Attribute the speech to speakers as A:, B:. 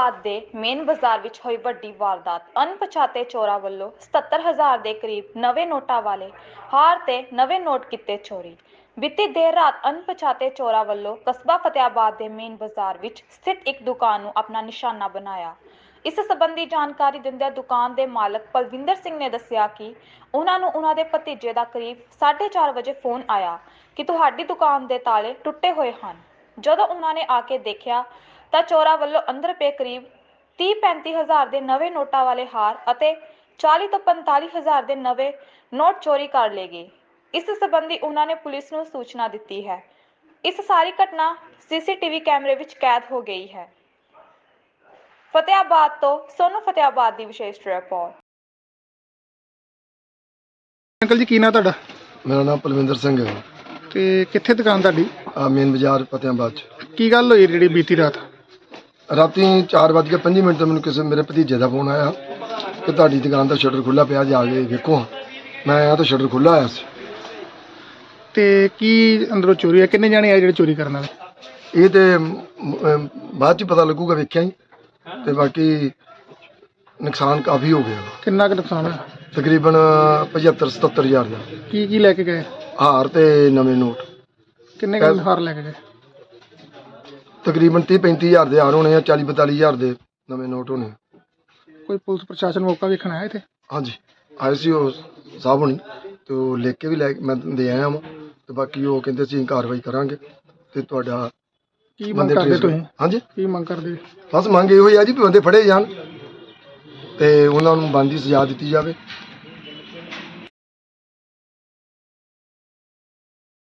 A: ਫਤਿਆਬਾਦ ਦੇ ਮੇਨ ਬਾਜ਼ਾਰ ਵਿੱਚ ਹੋਈ ਵੱਡੀ ਵਾਰਦਾਤ। ਅਣਪਛਾਤੇ ਚੋਰਾਂ ਵੱਲੋਂ 77,000 ਦੇ ਕਰੀਬ ਨਵੇਂ ਨੋਟਾਂ ਵਾਲੇ ਹਾਰ ਤੇ ਨਵੇਂ ਨੋਟ ਕੀਤੇ ਚੋਰੀ। ਬੀਤੀ ਦੇਰ ਰਾਤ ਅਣਪਛਾਤੇ ਚੋਰਾਂ ਵੱਲੋਂ ਕਸਬਾ ਫਤਿਆਬਾਦ ਦੇ ਮੇਨ ਬਾਜ਼ਾਰ ਵਿੱਚ ਸਥਿਤ ਇੱਕ ਦੁਕਾਨ ਨੂੰ ਆਪਣਾ ਨਿਸ਼ਾਨਾ ਬਣਾਇਆ। ਇਸ ਸੰਬੰਧੀ ਜਾਣਕਾਰੀ ਦਿੰਦਿਆਂ ਦੁਕਾਨ ਦੇ ਮਾਲਕ ਪਲਵਿੰਦਰ ਸਿੰਘ ਨੇ ਦੱਸਿਆ ਕਿ ਉਹਨਾਂ ਨੂੰ ਉਹਨਾਂ ਦੇ ਭਤੀਜੇ ਦਾ ਕਰੀਬ 4:30 ਵਜੇ ਫੋਨ ਆਇਆ ਕਿ ਤੁਹਾਡੀ ਦੁਕਾਨ ਦੇ ਤਾਲੇ ਟੁੱਟੇ ਹੋਏ ਹਨ। ਜਦੋਂ ਉਹਨਾਂ ਨੇ ਆ ਕੇ ਦੇਖਿਆ ਤਾਂ ਚੋਰਾਂ ਵੱਲੋਂ ਅੰਦਰ ਪਏ ਕਰੀਬ 30-35 ਹਜ਼ਾਰ ਦੇ ਨਵੇਂ ਨੋਟਾਂ ਵਾਲੇ ਹਾਰ ਅਤੇ 40 ਤੋਂ 45 ਹਜ਼ਾਰ ਦੇ ਨਵੇਂ ਨੋਟ ਚੋਰੀ ਕਰ ਲਏ ਗਏ। ਇਸ ਸੰਬੰਧੀ ਉਹਨਾਂ ਨੇ ਪੁਲਿਸ ਨੂੰ ਸੂਚਨਾ ਦਿੱਤੀ ਹੈ। ਇਸ ਸਾਰੀ ਘਟਨਾ ਸੀਸੀਟੀਵੀ ਕੈਮਰੇ ਵਿੱਚ ਕੈਦ ਹੋ ਗਈ ਹੈ। ਫਤਿਆਬਾਦ ਤੋਂ ਸੋਨੂ ਫਤਿਆਬਾਦ ਦੀ ਵਿਸ਼ੇਸ਼ ਰਿਪੋਰਟ।
B: ਅੰਕਲ ਜੀ ਕੀ ਨਾਂ ਤੁਹਾਡਾ?
C: मेरा नाम पलविंदर सिंह है।
B: ਤੇ ਕਿੱਥੇ ਦੁਕਾਨ ਤੁਹਾਡੀ?
C: मेन बाजार फतेहाबाद
B: ਕੀ ਗੱਲ ਹੋਈ ਜਿਹੜੀ ਬੀਤੀ ਰਾਤ?
C: राती 4:05 तो मैंने किसी मेरे भतीजे का फोन आया कि ਤੁਹਾਡੀ दुकान का शटर खुला पिया जा के देखो। मैं आया तो शटर खुला आया सी।
B: ਤੇ ਕੀ ਅੰਦਰੋਂ ਚੋਰੀ ਹੈ? ਕਿੰਨੇ ਜਾਣੇ ਆਏ ਜਿਹੜੇ ਚੋਰੀ ਕਰਨ ਵਾਲੇ?
C: ਇਹ ਤੇ ਬਾਅਦ ਚ ਪਤਾ ਲੱਗੂਗਾ, ਵੇਖਿਆ ਹੀ। ਤੇ ਬਾਕੀ ਨੁਕਸਾਨ ਕਾਫੀ ਹੋ ਗਿਆ,
B: ਕਿੰਨਾ ਕੁ ਨੁਕਸਾਨ ਹੋਇਆ?
C: ਤਕਰੀਬਨ 75-77 ਹਜ਼ਾਰ ਦਾ।
B: ਕੀ ਲੈ ਕੇ ਗਏ?
C: ਹਾਰ ਤੇ ਨਵੇਂ ਨੋਟ।
B: ਕਿੰਨੇ ਕੁ ਹਾਰ ਲੈ ਕੇ ਗਏ?
C: ਤਕਰੀਬਨ 30-35 ਹਜ਼ਾਰ ਦੇ ਹਾਰ ਹੋਣੇ ਆ, 40-42 ਹਜ਼ਾਰ ਦੇ ਨਵੇਂ ਨੋਟ ਹੋਣੇ।
B: ਕੋਈ ਪੁਲਿਸ ਪ੍ਰਸ਼ਾਸਨ ਮੌਕਾ ਵੇਖਣ ਆਇਆ ਇੱਥੇ?
C: ਹਾਂਜੀ ਆਏ ਸੀ ਉਹ ਸਾਹਿਬ ਹੁਣੀ, ਤੇ ਉਹ ਲਿਖ ਕੇ ਵੀ ਲੈ ਮੈਂ ਦੇ ਆਇਆ ਵਾਂ। ਤੇ ਬਾਕੀ ਉਹ ਕਹਿੰਦੇ ਅਸੀਂ ਕਾਰਵਾਈ ਕਰਾਂਗੇ ਤੇ ਤੁਹਾਡਾ
B: ਕੀ ਮੰਗ ਕਰਦੇ ਤੁਸੀਂ?
C: ਹਾਂਜੀ
B: ਕੀ ਮੰਗ ਕਰਦੇ?
C: ਬਸ ਮੰਗ ਇਹੋ ਹੀ ਆ ਜੀ ਵੀ ਬੰਦੇ ਫੜੇ ਜਾਣ ਤੇ ਉਹਨਾਂ ਨੂੰ ਬਣਦੀ ਸਜ਼ਾ ਦਿੱਤੀ ਜਾਵੇ।